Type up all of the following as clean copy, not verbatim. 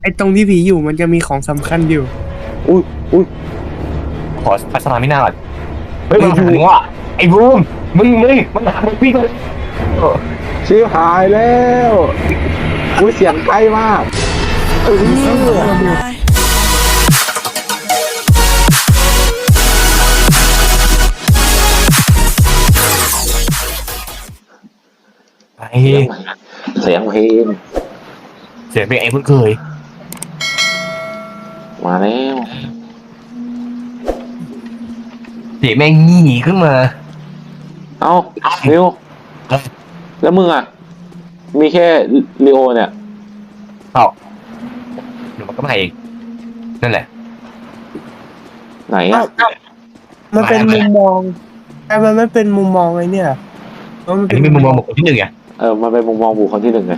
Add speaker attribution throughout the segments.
Speaker 1: ไอ้ตรงที่ผีอยู่มันจะมีของสำคัญอยู่
Speaker 2: อุ้ยอุ้ย
Speaker 3: ขอพัฒนาไม่น่าก่อนเฮ้ยมันหาถึงว่าไอ้บูมมึงมันหามึงวิ่งเลย
Speaker 2: ชิบหายแล้วอุ้ยเสียงใกล้มาก
Speaker 3: ไอ้
Speaker 2: เสียงเพลง
Speaker 3: เสียงเป็นไอ้เพิ่งเคย
Speaker 2: มาแล้ว
Speaker 3: เสียงแม่งงี่ขึ้นมา
Speaker 2: เอ้านิวแล้วมึงอ่ะมีแค่ลีโอเนี่ย
Speaker 3: เปล่าเดี๋ยวมันก็มาเองนั่นแหละ
Speaker 2: ไหนอ่ะ
Speaker 1: มันเป็นมุมมองแต่มันไม่เป็นมุมมองไอ้เนี่ยมัน
Speaker 3: อัน
Speaker 1: เป็น
Speaker 3: นี้เป็นมุมมองบุคคลที่หนึ่งไง
Speaker 2: มันเป็นมุมมองบุคคลที่หนึ่งไง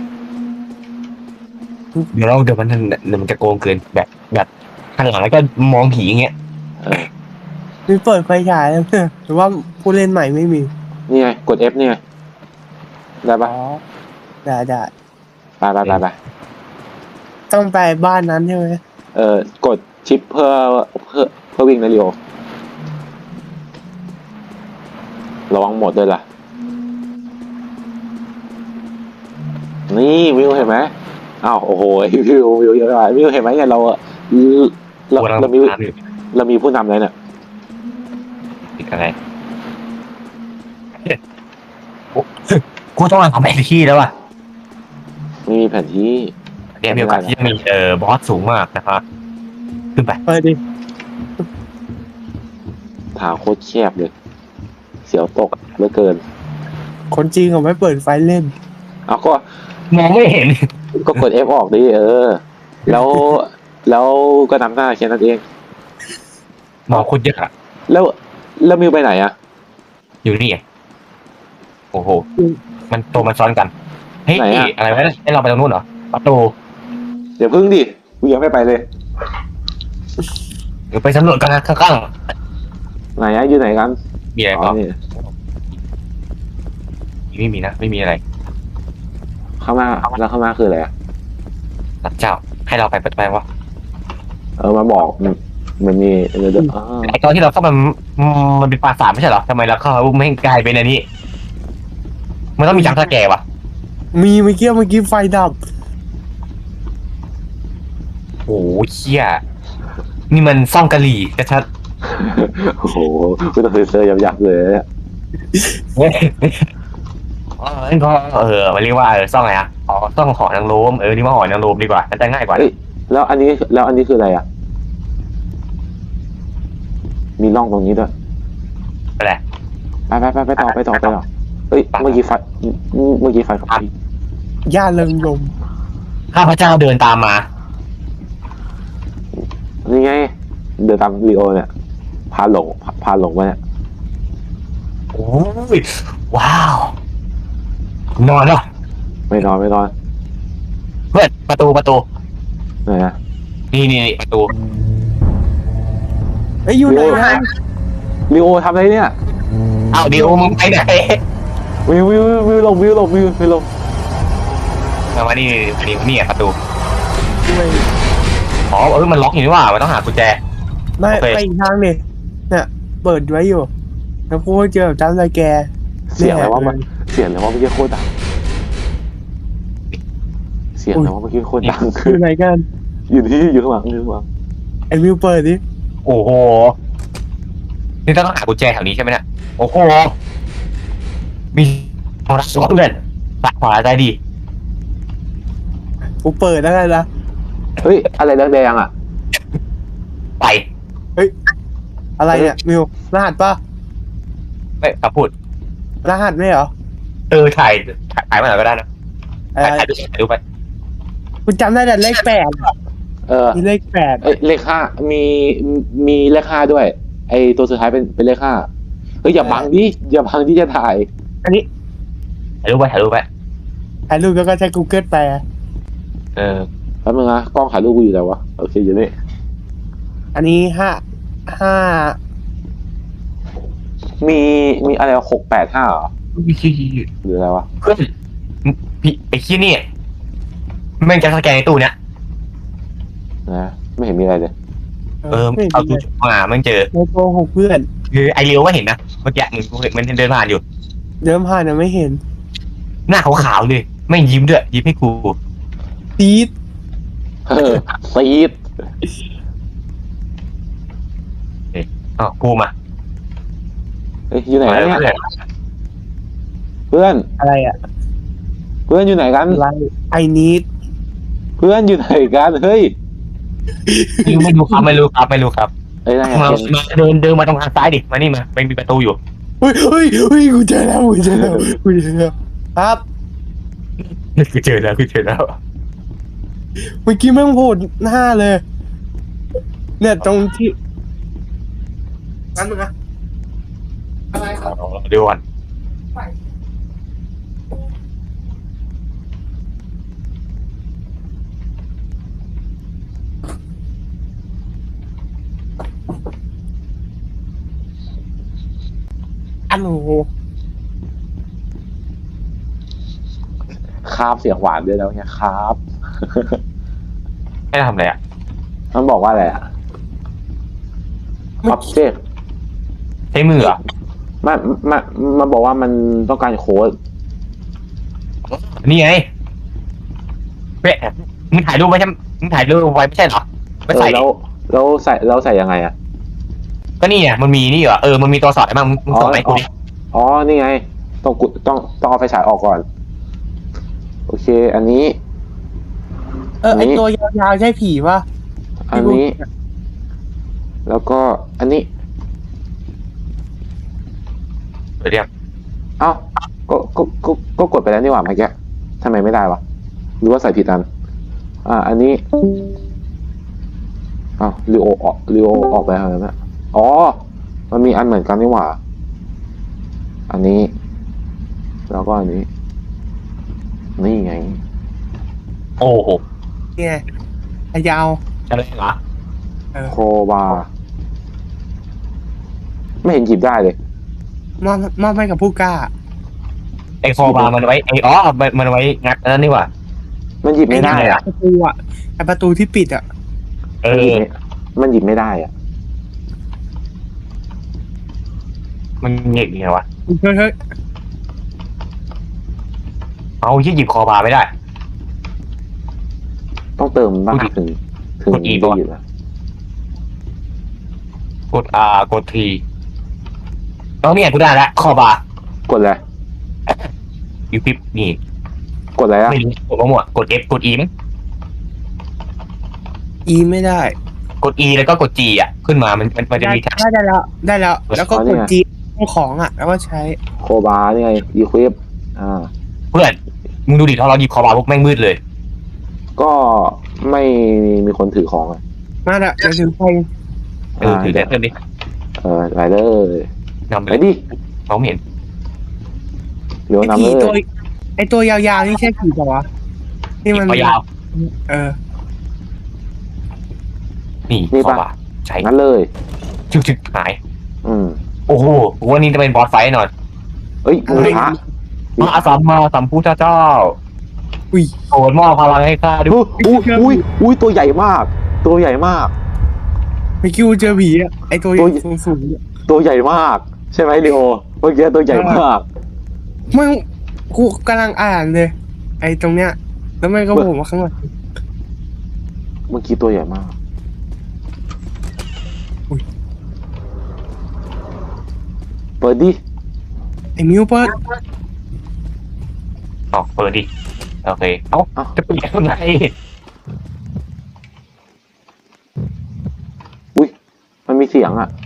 Speaker 3: เดี๋ยวมันจะโกงเกินแบบข้างหลังแล้วก็มองผีอย่างเงี้ย
Speaker 1: มีเปิดไฟฉายแล้วเนี่ยหรือว่าผู้เล่นใหม่ไม่มี
Speaker 2: นี่ไงกด F นี่ไงได้ปะ
Speaker 1: ได้
Speaker 2: ไป
Speaker 1: ต้องไปบ้านนั้นใช่ไหม
Speaker 2: กดชิปเพื่อวิ่งนะลีโอระวังหมดด้วยล่ะนี่วิวเห็นไหมอ้าวโอ้โหวิวเยอะมากวิวเห็นไหมเนี่ยเรามีผู้นำเลยเนี่ย
Speaker 3: ติดอะไรกูต้องมาทำแผนที่แล้วอ่ะ
Speaker 2: ไม่มีแผนที่
Speaker 3: เนี่ยมีโอกาสที่จะมีบอสสูงมากนะครับขึ้นไป
Speaker 1: เปิดดิ
Speaker 2: ทางโคตรแคบเลยเสียวตกเหลือเกิน
Speaker 1: คนจริงเขาไม่เปิดไฟเล่น
Speaker 2: เอาก็
Speaker 3: มองไม่เห็น
Speaker 2: กด F ออกดิแล้วก็นำหน้าแค่นั้นเอง
Speaker 3: มองคนเยอะอะ
Speaker 2: แล้วมิวไปไหนอะ
Speaker 3: อยู่นี่ไงโอ้โหมันซ้อนกันเฮ้ยอะไรวะให้เราไปตรงนู้นเหรอประตู
Speaker 2: เดี๋ยวพึ่งดิกูยังไม่ไปเลย
Speaker 3: เดี๋ยวไปสำรวจกันนะข้าง
Speaker 2: ไหนอะอยู่ไหนกัน
Speaker 3: ๆมีอะไรเปล่า
Speaker 2: นี่
Speaker 3: ไม่มีนะไม่มีอะไร
Speaker 2: เข้ามาแล้วเข้ามาคืออะไรอะ
Speaker 3: สัตว์เจ้าให้เราไปเปิดไปวะ
Speaker 2: มาบอกมันมีเดี๋ยว
Speaker 3: ไอตอนที่เราเข้ามันเป็นปราสาทไม่ใช่เหรอทำไมเราเข้าไม่กลายเป็นอันนี้มันต้องมีจังสแกร์วะ
Speaker 1: มีเมื่อกี้ไฟดับ
Speaker 3: โอ้โหเชี่ยนี่มันซ่องกะหรี่ชัด
Speaker 2: โอ้โหกูต้องเซอร์ยับเลยอะ
Speaker 3: ๆก็มันเรียกว่าซ่องอะไรอ่ะอ๋อซ่องหอนางรมนี่ว่าหอนางรมดีกว่าน่าจะง่ายกว่า
Speaker 2: แล้วอันนี้คืออะไรอะมีร่องตรงนี้ด้วย
Speaker 3: อะไร
Speaker 2: ไปต่อเฮ้ยเมื่อกี้ไฟกับพี่
Speaker 1: ย่าเริงลม
Speaker 3: ข้าพเจ้าเดินตามมา
Speaker 2: นี่ไงเดินตามลีโอเนี่ยพาหลงมาเนี่ย
Speaker 3: โอ้ยว้าวนอนแล้ว
Speaker 2: ไม่นอน
Speaker 3: เปิดประตู
Speaker 2: ไหนอะ
Speaker 3: นี่ประตู
Speaker 1: ไอ้ยอยู่ไหนนะ
Speaker 2: ลีโอทำอะไรเนี่ย
Speaker 3: อ้าวเดี๋ยวมึงไปไหน
Speaker 2: วิวลง
Speaker 3: มานี่อ่ะประตู
Speaker 1: ไม่
Speaker 3: อ๋อมันล็อกอยู่นี่ว่ามันต้องหากุญแจ
Speaker 1: ไม่
Speaker 3: โอเค
Speaker 1: ไปอีกทางเนี่ยเปิดไว้อยู่แล้วพูดเจอจันไรแก
Speaker 2: เสียงอะไรวะเมื่อกี้โคตรดัง
Speaker 1: อยู่ไหนกัน
Speaker 2: อยู่ข้างหลัง
Speaker 1: ไอ้วิวเปิดดิ
Speaker 3: โอ้โหนี่ต้องหากุญแจแถวนี้ใช่ไหมเนี่ยโอ้โหมีโทรศัพท์เล่นตัดขวาใจดี
Speaker 1: กูเปิดแล้วกันนะ
Speaker 2: เฮ้ยอะไรแดงๆอ่ะ
Speaker 3: ไป
Speaker 1: อะไรเนี่ยวิวรหัสปะ
Speaker 3: ไม่ขับพูด
Speaker 1: รหัสไม่เหรอ
Speaker 3: ถ่ายมาหน่อยก็ได้นะถ่ายดูไป
Speaker 1: กูจำได้แต่เลข 8มีเลข
Speaker 2: เลข5มีเลข5ด้วยไอตัวสุดท้ายเป็นเลข5เฮ้ยอย่าบังที่จะถ่าย
Speaker 1: อันนี้
Speaker 3: ถ่ายรูปไป
Speaker 1: ถ่ายรูปแล้วก็ใช้ Google แปล
Speaker 2: แป๊บนึงนะกล้องถ่ายรูปกูอยู่ไหนวะโอเคอยู่นี่
Speaker 1: อันนี้ห้า
Speaker 2: มีอะไร685เหรอหรืออะไรวะ
Speaker 3: เพื่อนพี่ไอ้ขี้นี่แม่งจะสแกนในตู้เนี้ย
Speaker 2: นะไม่เห็นมีอะไรเลย
Speaker 3: เอาทูบมามันเจอ
Speaker 1: ไม่โกหกเพื่อน
Speaker 3: คือไอเลียวก็เห็นนะเมื่อกี้มันเดินผ่านอยู่
Speaker 1: เดินผ่านนะไม่เห็น
Speaker 3: หน้าขาวๆเลยไม่ยิ้มด้วยยิ้มให้กู
Speaker 1: ตีด
Speaker 2: ซีด
Speaker 3: อ๋อกูมา
Speaker 2: เฮ้ยอยู่ไหนกันเนี่ย
Speaker 3: เพื่อน
Speaker 2: เพื่อน
Speaker 1: อะไรอ่ะ
Speaker 2: เพื่อนอยู่ไหนกัน
Speaker 1: อะไรไอนิด
Speaker 2: เพื่อนอยู่ไหนกันเฮ้ย
Speaker 3: ไม่รู้ครับไม่รู้ครับ
Speaker 2: เอ้ยนาย
Speaker 3: มา
Speaker 2: เห็น
Speaker 3: เดินมาตรงทางซ้ายดิมานี่มาเป็นมีประตูอยู่
Speaker 1: เฮ้ยกูเจอแล้วกูเจอแล้วครับ
Speaker 3: กูเจอแล้ว
Speaker 1: เมื่อกี้แม่งโผล่หน้าเลย เนี่ยตรงที่นั่นมึงนะอะไรครับ
Speaker 3: เดี๋ยวก่อน
Speaker 1: อันโห
Speaker 2: คาบเสียงหวานด้วยแล้วเนี่ยคาบ
Speaker 3: ให้ทำอะไรอ่ะ
Speaker 2: มันบอกว่าอะไรอ่ะ object
Speaker 3: ใช้มือเหรอ
Speaker 2: มันบอกว่ามันต้องการโค้ด
Speaker 3: นี่ไงเป๊ะมึงถ่ายรูปไว้ใช่มึงถ่ายรูปไว้ไม่ใช่เหรอไม่ใส่ดิ
Speaker 2: แล้วใส่ยังไงอ่ะ
Speaker 3: ก็นี่ไงมันมีนี่เหรอมันมีตัวสอดมั้งมึงส่งไหมกูดิ
Speaker 2: อ๋อนี่ไงต้องเอาไฟฉายออกก่อนโอเค อันนี้
Speaker 1: ไอตัวยาวๆใช่ผีปะ
Speaker 2: อันนี้ แล้วก็อันนี้
Speaker 3: เดี๋ยว
Speaker 2: เอ้าก็กดไปแล้วนี่หว่าเมื่อกี้ทำไมไม่ได้วะหรือว่าใส่ผิดอันอันนี้อ้าวลีโอออกไปแล้วนะอ๋อมันมีอันเหมือนกันนี่หว่าอันนี้ แล้วก็อันนี้นี่ไง
Speaker 3: โอ้โห
Speaker 1: เนี่ยไอยาว
Speaker 3: อะไรเหรอ
Speaker 2: โคบาไม่เห็นหยิบได้เลย
Speaker 1: มอบให้กับผู้กล้า
Speaker 3: ไอโคบามันไว้มันไว้งัดนั่นนี่หว่า
Speaker 2: มันหยิบไม่ได้อ่ะ
Speaker 1: ประตูอ่ะไอประตูที่ปิดอ่ะ
Speaker 2: มันหยิบไม่ได้อ่ะ
Speaker 3: มันเงี้ยไงวะ
Speaker 1: เฮ้ย
Speaker 3: เอาที่หยิบคอบาไม่ได้
Speaker 2: ต้องเติมบ้างถึง
Speaker 3: กด E
Speaker 2: ได้หยิบอ่ะ
Speaker 3: กด R กด T เอาเนี่ยกูได้แล้วคอบาก
Speaker 2: ดอะไร
Speaker 3: ยูปิปนี่
Speaker 2: กดอะไรอ่ะ
Speaker 3: ไม่รู้กดมาหมดกด F กด E มั้ง
Speaker 1: อีไม่ได้
Speaker 3: กด E แล้วก็กด G อ่ะขึ้นมามันจะมีแท็บ
Speaker 1: ได้แล้ว แล้วก็กดจีของอ่ะ แล้วก็ใช้
Speaker 2: โคบานี่ไงอีควิป
Speaker 3: เพื่อนมึงดูดิถ้าเราหยิบคอบาพวกแม่งมืดเลย
Speaker 2: ก็ไม่มีคนถือของอ่ะ
Speaker 1: มาละเดี๋ยวถึงไป
Speaker 3: ถือได้เพิ่มดิ
Speaker 2: ไรเดอร์
Speaker 3: นำไป
Speaker 2: ไป
Speaker 3: เลย
Speaker 2: ดิ
Speaker 3: เขาไม่เห็น
Speaker 2: เร็ว
Speaker 1: ไอ
Speaker 2: น้ำ
Speaker 1: ผี
Speaker 2: เล
Speaker 1: ตัวย ไอตัวยาวๆนี่ใช่ผีปะวะนี่มัน
Speaker 3: ยาว นี่คอบาใช้
Speaker 2: งั้นเลย
Speaker 3: ชึกหาย โอ้โหวันนี้จะเป็นบอสไฟท์หน่อย
Speaker 2: เอ้ยมือพระ
Speaker 3: มาสัมพุทธเจ้า
Speaker 1: อุ้ย
Speaker 3: โปรดมอบพลังให้ข้าด้วย
Speaker 2: อุ้ยตัวใหญ่มาก ตัวใหญ่มาก
Speaker 1: เมื่อกี้กูเจอผีอ่ะไอตัวสูง
Speaker 2: ตัวใหญ่มาก ใช่ไหมลีโอเมื่อกี้ตัวใหญ่มาก
Speaker 1: ไม่กูกำลังอ่านเลย ไอตรงเนี้ย แล้วมันก็โผล่มาข้างหลัง
Speaker 2: เมื่อกี้ตัวใหญ่มากเปิดดิ
Speaker 1: ไอมิวเปิด
Speaker 3: อ๋อเปิดดิโอเคจะปิดยังไง
Speaker 2: อุ้ยมันมีเสียงอ่ะ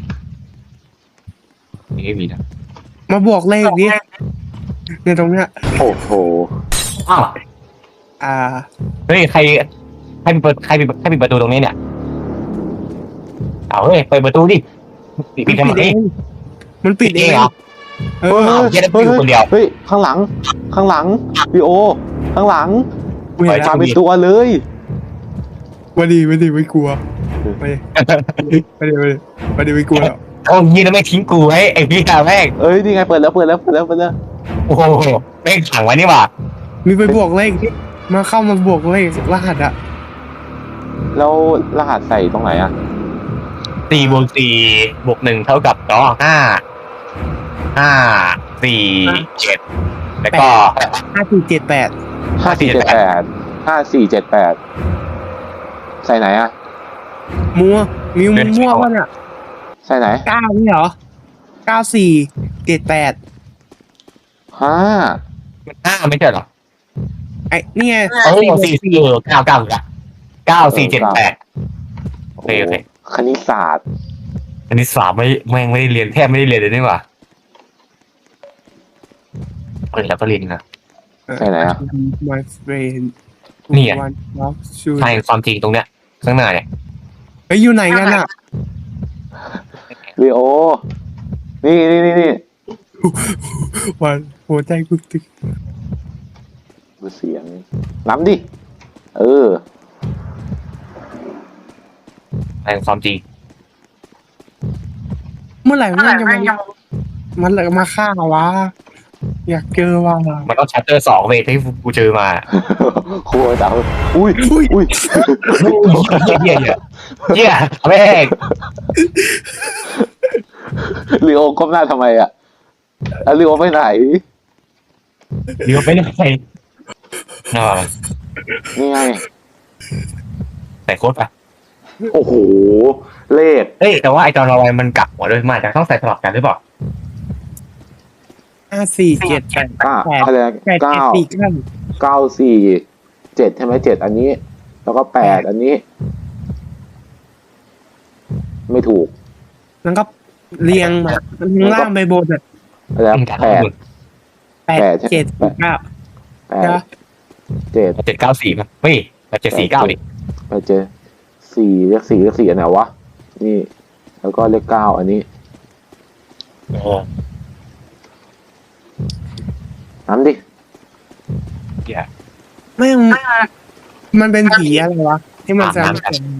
Speaker 3: นี่ไม่มีนะ
Speaker 1: มาบวกเลขดิในตรงเนี้ย
Speaker 2: โอ้โห
Speaker 3: อ้าว
Speaker 1: เฮ้ย
Speaker 3: ใครปิดประตูตรงนี้เนี่ยเอาเฮ้ยเปิดประตูดิปิดทำไม
Speaker 1: มันปิดเอง
Speaker 3: เหรอแค่ได้อยู่คนเดียว
Speaker 2: เฮ้ยข้างหลังลีโอข้างหลัง
Speaker 1: ไม่
Speaker 2: มาเป็นตัวเลย
Speaker 1: ไม่กลัวไม่กลัว
Speaker 3: โอ้ยแล้วไม่ทิ้งกูไว้ไอ้พี่กาแม่ง
Speaker 2: เอ้ยนี่ไงเปิดแล้ว
Speaker 3: โอ้โหแม่งขังไว้นี่หว่า
Speaker 1: มีไปบวกเลขมาเข้ามาบวกเลขรหัสอ่ะ
Speaker 2: แล้วรหัสใส่ตรงไหนอ่ะ
Speaker 3: 4+4+1เท่ากับ5 4 7แล้วก็
Speaker 1: 5478
Speaker 2: 5478ใส่ไหนอ่ะ
Speaker 1: มัวมิวมั่ววะเนี่ย
Speaker 2: ใส่ไหน
Speaker 1: 9นี่เหรอ9478
Speaker 2: 5
Speaker 3: ไม่ใช่เหรอ
Speaker 1: ไอ้นี่ไง
Speaker 3: 9 ละ9478โอเค
Speaker 2: คณิตศาสตร์
Speaker 3: อันนี้3ไม่ได้เรียนแทบไม่ได้เรียนเลยนี่หว่าแล้วก็เรียนนะ
Speaker 2: ใส่ไหนอ่ะ
Speaker 1: My friend
Speaker 3: นี่ไง
Speaker 1: One of shoes
Speaker 3: ใช่ความจริงตรงเนี้ยข้างหน้าเนี่ย
Speaker 1: เฮ้ยอยู่ไหนกันอ่ะ
Speaker 2: ลีโอ นี่
Speaker 1: วันหัวใจกูตึก
Speaker 2: ดูเสียงน้ำดิ
Speaker 3: ใช่ความจริง
Speaker 1: เมื่อไหร่มันจะมันเลยมาฆ่าวะอยากเจอว่ะ
Speaker 3: มันต้องชัตเตอร์2เวทที่กูเจอมา
Speaker 2: ครัวจังอุ้ย
Speaker 3: เหี้ยแม่ง
Speaker 2: ลีโอก้มหน้าทำไมอ่ะแล้วลีโอไปไหน
Speaker 3: เดี๋ยวไปไหนน่า
Speaker 2: นี่ไง
Speaker 3: ใส่โค้ดไป
Speaker 2: โอ้โห เลข
Speaker 3: เอ้ยแต่ว่าไอตอนเราไปมันกลับหัวด้วยมาจะต้องใส่สลับกันหรือเปล่า
Speaker 1: 5478
Speaker 2: อะไรนะ9
Speaker 1: 8749
Speaker 2: 9 4 7ใช่ไหม7อันนี้ แล้วก็8อันนี้ ไม่ถูก
Speaker 1: แล้วก็เรียงมามันข้างล่างไปบนอ่ะ
Speaker 2: อะไรนะ8
Speaker 1: 8749
Speaker 2: 8 7
Speaker 3: 794ป่ะเฮ้ย749ดิ
Speaker 2: 8 7 4เลข4อันไหนวะ นี่ แล้วก็เลข9อันนี้น้ำดิ
Speaker 3: เหี้ย
Speaker 1: ไม่มันเป็นผีอะไรวะที่มันจะ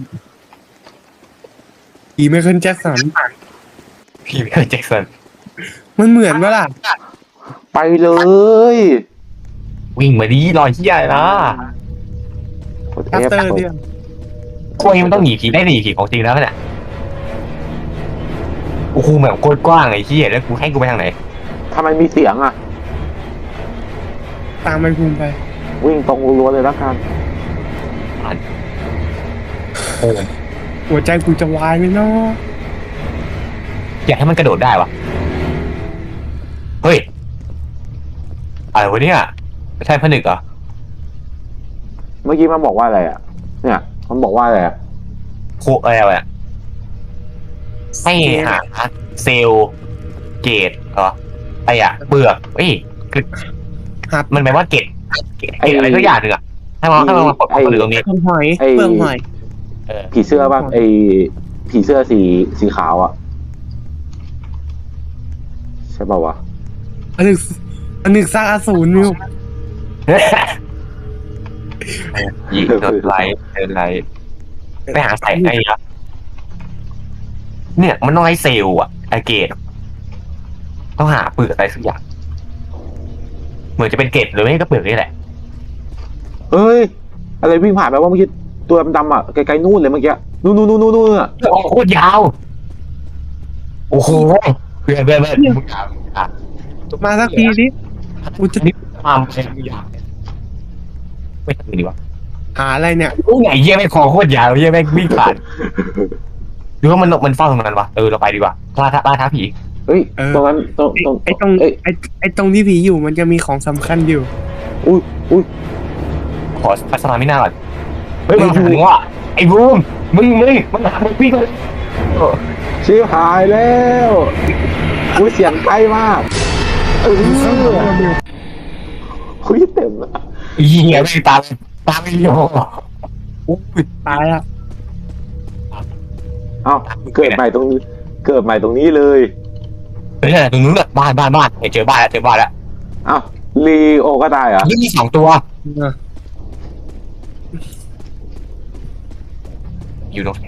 Speaker 1: ผีไมเคิลแจ็คสัน
Speaker 3: พี่ไม่เคยแจ็คสัน
Speaker 1: มันเหมือนปะล่ะ
Speaker 2: ไปเลย
Speaker 3: วิ่งมาดีรอยเหี้ยนะ
Speaker 2: โคตร
Speaker 1: คัส
Speaker 2: เทพ
Speaker 1: เตอร์เนี่ย
Speaker 3: พวกนี้มันต้องหนีผีได้หนีผีของจริงแล้วเนี่ยโอ้โหแบบโคตรกว้างไอ้เหี้ยแล้วกูให้กูไปทางไหน
Speaker 2: ทำไมมีเสียงอ่ะ
Speaker 1: ตามไปภูมิไป
Speaker 2: วิ่งตรงรัวๆเลยแล้วกัน
Speaker 1: หัวใจกูจะวายไหมเนาะ
Speaker 3: อยากให้มันกระโดดได้วะเฮ้ยอะไรวะเนี่ยไม่ใช่ผนึกเหรอ
Speaker 2: เมื่อกี้มันบอกว่าอะไรอ่ะ เนี่ย มันบอกว่าอะไรอ่ะ
Speaker 3: โคอะไรวะให้หาเซลล์เกตเหรอไอ้อะเปลือกเอ้ยคือ
Speaker 1: หับ
Speaker 3: มันแปลว่าเกตอะไรสักอย่างหนึ่งอะให้มันกดเข้าไปตรงนี้
Speaker 1: เปลือกหอยเปลือกหอย
Speaker 2: ผีเสื้อป่ะผีเสื้อสีขาวอ่ะ ใช่ป่าววะ
Speaker 1: อันหนึ่งสร้างอสูรมิว
Speaker 3: ยิงเดินไลท์ไปหาใส่ไอ้อะเนี่ยมันต้องให้เซลล์อะไอเกตต้องหาเปลือกอะไรสักอย่างเหมือนจะเป็นเกตหรือไม่ก็เปลือกนี่แหละ
Speaker 2: เฮ้ย อะไรวิ่งผ่านไปว่าเมื่อกี้ตัวดำๆอ่ะไกลๆนู่นเลยเมื่อกี้นู่นอ่ะ
Speaker 3: โอ้โหโคตรยาวโอ้โหเพื่อนมึงยาว
Speaker 1: มาสักทีดิกูจะ
Speaker 3: นี่ความแข็งยาวไม่ทำดีวะ
Speaker 1: หาอะไรเนี่ย
Speaker 3: รู้ไงเยี่ยไม่คอโคตรยาวเยี่ยไม่วิ่งผ่านหรือว่ามันเฝ้าตรงนั้นวะเราไปดีกว่าล่าท้าผี
Speaker 2: เฮ้ย ตรงนั้นตรง
Speaker 1: ไอ้ตรงที่ผีอยู่มันจะมีของสำคัญอยู่
Speaker 2: อุ้ย
Speaker 3: ขอพัฒนาไม่น่าก่อนเฮ้ยมันถึงว่าไอ้บูมมึงมันหามึงวิ่งเลย
Speaker 2: ชิบหายแล้วอุ้ยเสียงใกล้มากคุยเต็มอ่ะ
Speaker 3: เหี้ยไม่ตามไม่ยอม
Speaker 1: ตายละ
Speaker 2: เอ้าเกิดใหม่ตรงนี้เลย
Speaker 3: เฮ้ยตรงนู้นบ้านเจอบ้านแล้ว
Speaker 2: เอ้าลีโอก็ตายเหรอ
Speaker 3: นี่มี2ตัวอยู่ตรงไหน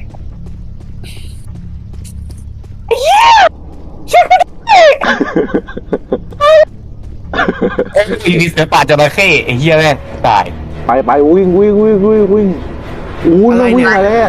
Speaker 3: มีเสือป่าจระเข้ไอ้เหี้ยแม่งตาย
Speaker 2: ไปวิ่งอู้
Speaker 1: อะไร
Speaker 2: วิ่ง
Speaker 1: เนี่ย
Speaker 2: มาแล้ว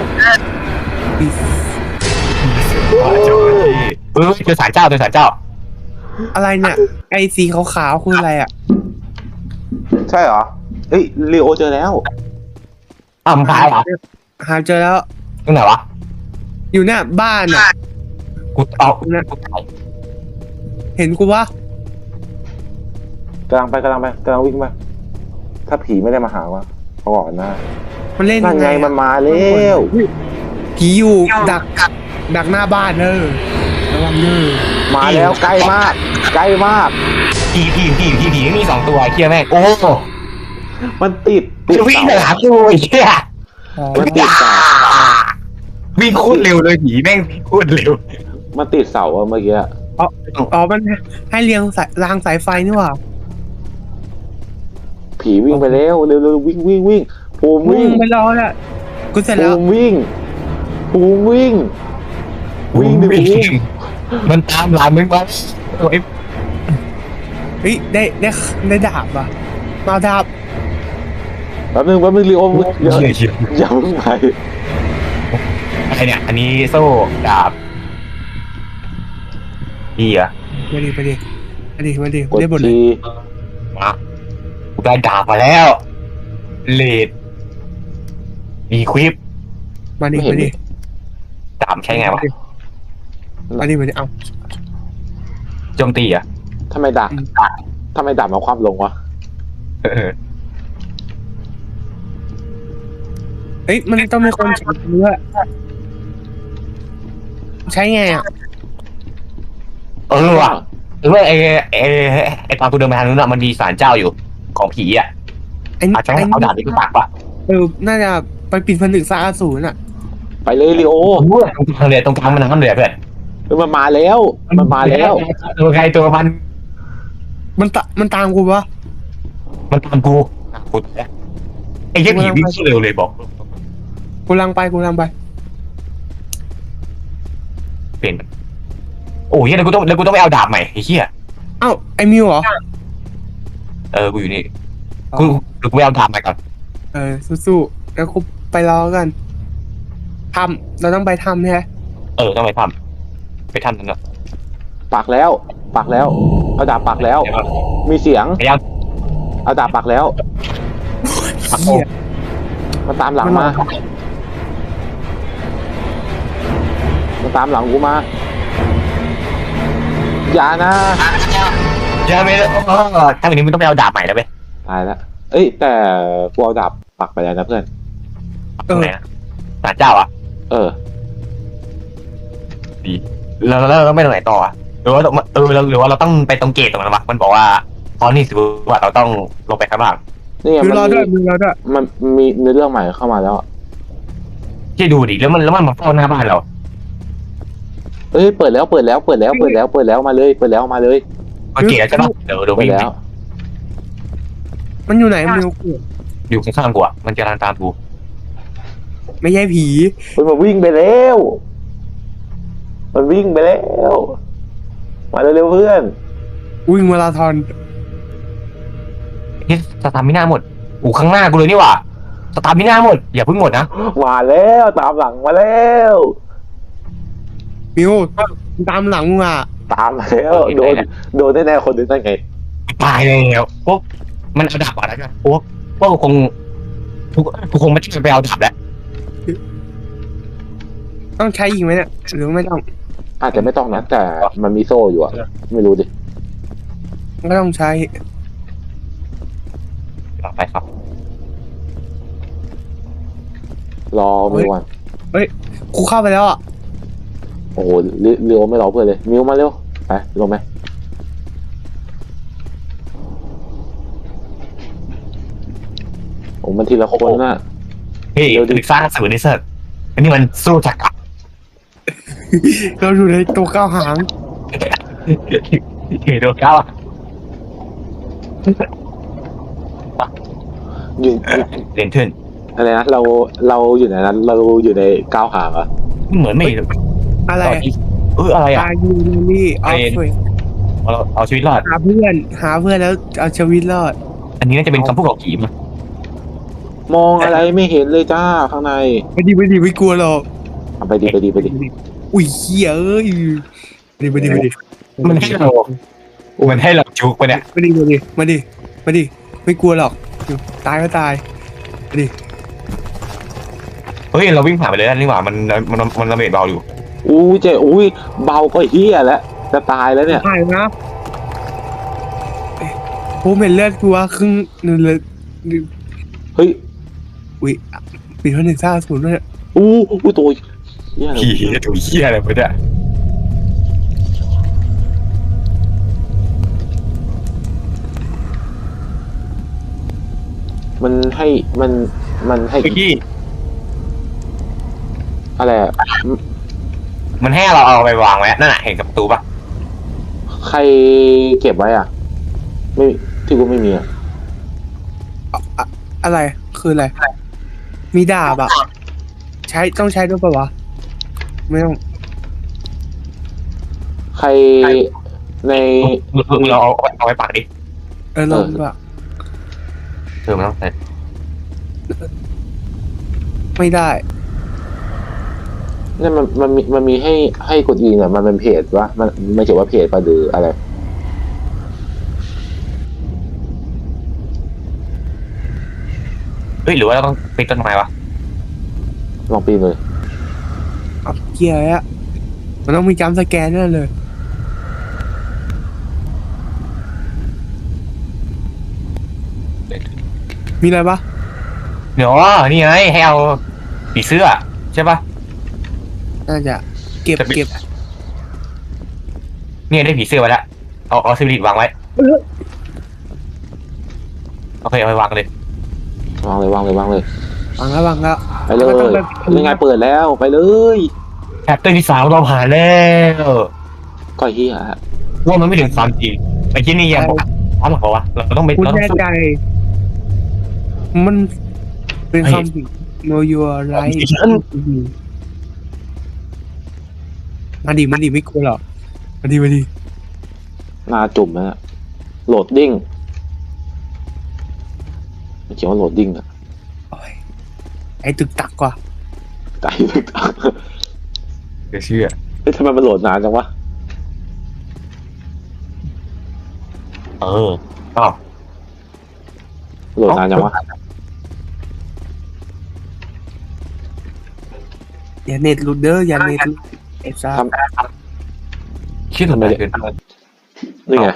Speaker 3: เจอสารเจ้าเจอสารเจ้า
Speaker 1: อะไรเนี่ยไอ้สีขาวๆคืออะไรอ่ะ
Speaker 2: ใช่เหรอเอ้ยลีโอเจอแล้ว
Speaker 3: มึงตายเหรอ
Speaker 1: หาเจอแล้ว
Speaker 3: ตรงไหนวะ
Speaker 1: อยู่เนี่ยบ้านอ่ะ
Speaker 3: กูตาย
Speaker 1: เห็นกูวะ
Speaker 2: กำลังวิ่งไปถ้าผีไม่ได้มาหาวะเขาบอกนะ
Speaker 1: มันเล่น
Speaker 2: นั่นไง
Speaker 1: อะ
Speaker 2: มันมาแล้ว
Speaker 1: ผีอยู่ดักหน้าบ้านระวังเนอ
Speaker 2: มาแล้วใกล้มาก
Speaker 3: ผีไม่มี2 ตัวเคียแม่งโอ้
Speaker 2: มันติด
Speaker 3: วิ่งหากูไอ้เหี้ย
Speaker 2: มันติดเสา
Speaker 3: วิ่งโคตรเร็วเลยผีแม่งโคตรเร็ว
Speaker 2: มันติดเสาอะเมื่อกี้
Speaker 1: อ๋อมันให้เรียงรางสายไฟนี่หว่า
Speaker 2: ผีวิ่งไปแล้วเร็ววิ่งภูมิวิ่ง
Speaker 1: ไปรอแล้วกูเสร็จแล้ว
Speaker 2: ภูมิวิ่งดิภูมิ
Speaker 3: มันตามหลังมึงมาไอ้
Speaker 1: เฮ้ยได้ดาบอ่ะมาดาบ
Speaker 2: แป๊บนึงลีโออย่า
Speaker 3: เหี้ย
Speaker 2: อย่าเพิ่งไป
Speaker 3: อะไรเนี่ยอันนี้โซ่ดาบดีอะ
Speaker 1: มาดิ
Speaker 2: กด
Speaker 1: ได้บทเลย
Speaker 2: ที
Speaker 3: มากูได้ดาบมาแล้วเลดมีควิป
Speaker 1: มาดิ
Speaker 3: ดาบใช้ไงวะ
Speaker 1: มาดิเอา
Speaker 3: โจมตีอะ
Speaker 2: ทำไมดับมาความลงวะ
Speaker 1: เฮ้ยมันต้องมีคนใช้เนื้อใช้ไงอ่ะ
Speaker 3: ว่ะไอ้ตอนกูเดินไปทางนู้นอะมันมีศาลเจ้าอยู่ของผีอะ
Speaker 1: ไอ้
Speaker 3: อาจจะให้เอาดาบนี้กูปักป่ะ
Speaker 1: น่าจะไปปิดผนึกซากอสูรน่ะ
Speaker 2: ไปเลยลีโอ
Speaker 3: ตรงกลางเลยตรงกลางมันน้ำเหลือเพื่อน
Speaker 2: มันมาแล้ว
Speaker 3: ตัวใครตัวมัน
Speaker 1: มันตามกูปะ
Speaker 3: มันตามกูไอ้เหี้ยผีวิ่งเร็วเลยบอก
Speaker 1: กูลังไป
Speaker 3: เป็นโอ้ยแล้วกูต้องไปเอาดาบใหม่ไอ้เหี้ย
Speaker 1: เอ้าไอ้มิวเหรอ
Speaker 3: กูอยู่นี่กูไปเอาดาบใหม่ก่อน
Speaker 1: สู้ๆแล้วกูไปรอกันเราต้องไปทำใช่ไหม
Speaker 3: ต้องไปทำนั่นเนาะ
Speaker 2: ปักแล้วเอาดาบปักแล้ว มีเสียง
Speaker 3: พยายาม
Speaker 2: เอาดาบปักแล้วมันตามหลังมากูมาอย่านะ
Speaker 3: อย่าไปถ้าวันนี้มึงต้องไปเอาดาบใหม่แล้วเว้ย
Speaker 2: ตายแล้วเอ้ยแต่กูเอาดาบปักไปแล้วนะเพื่อน
Speaker 3: ตรงไหนนะศาลเจ้าอ่ะ ดีแล้วเราไม่ตรงไหนต่ออ่ะหรือว่าเราต้องไปตรงเกตตรงนั้นวะมันบอกว่าตอนนี้สิว่าเราต้องลงไปข้างล่าง
Speaker 2: นี่ไง
Speaker 1: มิวรอด้วย
Speaker 2: มันมีเนื้อเรื่องใหม่เข้ามาแล้ว
Speaker 3: ที่ดูดิแล้วมันมาเฝ้าหน้าบ้านเรา
Speaker 2: เอ้ยเปิดแล้วมาเลย
Speaker 3: เกตแล้วใช่ปะเดี๋ยว
Speaker 2: เปิ
Speaker 3: วิ่
Speaker 2: ด
Speaker 3: ง
Speaker 2: แล้ว
Speaker 1: มันอยู่ไหนมิว
Speaker 3: อยู่ข้างๆกูอ่ะมันจะตามกู
Speaker 1: ไม่ใช่ผี
Speaker 2: มันวิ่งไปแล้วมาเร็วๆเพื่อน
Speaker 1: วิ่งมาราธอน
Speaker 3: นี่สตามิน่าหมดข้างหน้ากูเลยนี่หว่าสตามิน่าหมดอย่าเพิ่งหมดนะ
Speaker 2: มาแล้วตามหลังมาแล้ว
Speaker 1: มิวตามหลังมึงอ่ะ
Speaker 2: ตามมาแล้วโดนแน่ๆคนนึงนั่นไง
Speaker 3: ตายแล้วพวกมันเอาดาบมาแล้วกันพวกคงไม่ใช่ไปเอาดาบแล้ว
Speaker 1: ต้องใช้อีกไหมเนี่ยหรือไม่ต้อง
Speaker 2: อาจจะไม่ต้องนะแต่มันมีโซ่อยู่อะไม่รู้ดิ
Speaker 1: ก็ต้องใช้
Speaker 3: ไปครับ
Speaker 2: รอมิวก่อน
Speaker 1: กูเข้าไปแล้วอ่ะ
Speaker 2: โอ้โหเร็วไม่รอเพื่อนเลยมิวมาเร็วไปลงไหมโอ้มันทีละคนน่ะ
Speaker 3: เฮ้ยดึกสร้างสื่อในเสิร์ฟอันนี้มันสู้จักร
Speaker 1: เราอยู่ในตัวก้าวหาง
Speaker 3: โดนก้าว
Speaker 2: อยู่
Speaker 3: เรียนขึ้น
Speaker 2: อะไรนะเราอยู่ไหนนั้นเราอยู่ในก้าวหางอะ
Speaker 3: เหมือนไม่
Speaker 1: อะไร
Speaker 3: อะไรอ่ะ
Speaker 1: ตายยูนี่ออฟเฟ
Speaker 3: เอาชีวิตรอด
Speaker 1: หาเพื่อนแล้วเอาชีวิตรอด
Speaker 3: อันนี้น่าจะเป็นคำพูดของผีมั้ง
Speaker 2: มองอะไรไม่เห็นเลยจ้าข้างใน
Speaker 1: ไม่กลัวหรอก
Speaker 2: เอาไปดิไปดิไปดิ
Speaker 1: อุ้ยเหี้ยเอ้ยไปดิ
Speaker 3: มันให้เราจุกไปเนี่ย
Speaker 1: มาดิไม่กลัวหรอกตายก็ตายมาดิ
Speaker 3: เฮ้ยเราวิ่งผ่านไปเลยนี่หว่ามันระเบิดเบาอยู่
Speaker 2: อู้เจ๊อุ้ยเบาก็เฮียแล้วจะตายแล้วเนี่ย
Speaker 1: ตายนะผมเห็นเลือดกูว่าครึ่งนึงเลย
Speaker 2: เฮ้ย
Speaker 1: อุ้ยปีเท่า150ด้วย
Speaker 2: อู้ตัวเฮียอะไร
Speaker 3: ผีตัวเหี้ยอะไรไปเนี่ย
Speaker 2: มันให้มันให้
Speaker 3: พี่
Speaker 2: อะไรอะ
Speaker 3: มันให้เราเอาไปวางไว้นั่นน่ะเห็นกับประตูปะ
Speaker 2: ใครเก็บไว้อ่ะ ไม่ที่กูไม่มีอ่ะ
Speaker 1: อะไรคืออะไรมีดาบอะต้องใช้ด้วยปะวะไม่ต้อง
Speaker 2: ใครใน
Speaker 3: เราเอาไปปากดิ
Speaker 1: ลองปะ
Speaker 3: มันต้องใส่
Speaker 1: ไม่ได้
Speaker 2: เนี่ยมันมีให้กดอีเนี่ยมันเป็นเพจวะมันไม่เขียนว่าเพจปะหรืออะไร
Speaker 3: เฮ้ยหรือว่าเราต้องปีนต้นไม้วะ
Speaker 2: ลองปีนเลย
Speaker 1: เอาเกียร์อะมันต้องมีจัมป์สแกนแน่เลย มีอะไรปะ
Speaker 3: เดี๋ยวนี่ไงให้เอาผีเสื้อใช่ปะ
Speaker 1: น่าจะเก็บ
Speaker 3: เนี่ยได้ผีเสื้อไว้แล้วเอาซิลิตวางไว้โอเคเอาไปวางเลย
Speaker 2: วางเลย
Speaker 1: วางแล้ว
Speaker 2: ไปเลย
Speaker 1: มันต้องแบบ
Speaker 2: ยังไงเปิดแล้วไปเลย
Speaker 3: แชปเตอร์ที่3เราผ่านแล้ว
Speaker 2: ก็เฮีย
Speaker 3: ว่ามันไม่ถึงความจริงไอ้ที่นี่ยังบอกพร้อมหรอวะเราต้องไป
Speaker 1: คุณ
Speaker 3: เราต้อ
Speaker 1: แน่
Speaker 3: งสู้
Speaker 1: ใจมันเป็นคำผิด know your right มาดิไม่กลัวหรอกมาดิ
Speaker 2: หน้าจุ่มนะ โหลดดิ้งเขียนว่าโหลดดิ้งอะ
Speaker 1: โอ้ยไอ้ตึกตักกว่า
Speaker 2: ไกลเลย
Speaker 3: เดี๋ยวเชื่อ
Speaker 2: เฮ้ยทำไมมันโหลดนานจังวะ
Speaker 3: อ้าว
Speaker 2: โหลดนานจังวะ
Speaker 1: อย่าเน็ตหลุดเด้ออย่าเน็ตหลุดไอ้ซ่า
Speaker 3: คิดทำไมเกิน
Speaker 2: นี่ไง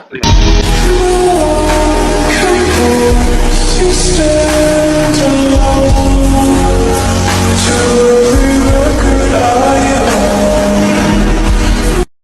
Speaker 4: Stand alone to